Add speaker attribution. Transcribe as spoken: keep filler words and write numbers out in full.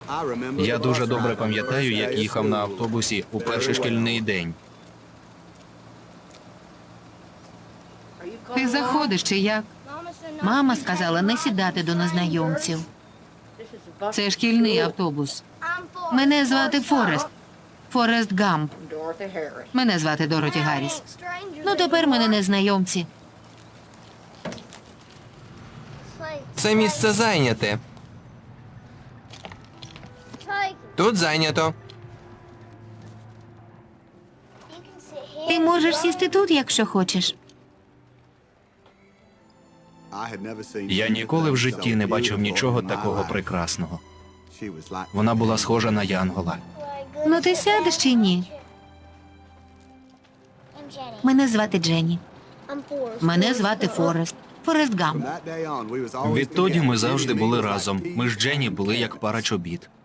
Speaker 1: Я дуже добре пам'ятаю, як їхав на автобусі у перший шкільний день.
Speaker 2: Ти заходиш чи як? Мама сказала не сідати до незнайомців. Це шкільний автобус. Мене звати Форест. Форест Гамп. Мене звати Дороті Гарріс. Ну, тепер мене незнайомці.
Speaker 3: Це місце зайняте. Тут зайнято.
Speaker 2: Ти можеш сісти тут, якщо хочеш.
Speaker 1: Я ніколи в житті не бачив нічого такого прекрасного. Вона була схожа на янгола.
Speaker 2: Ну, ти сядеш чи ні? Мене звати Дженні. Мене звати Форест. Форест Гамп.
Speaker 1: Відтоді ми завжди були разом. Ми з Дженні були як пара чобіт.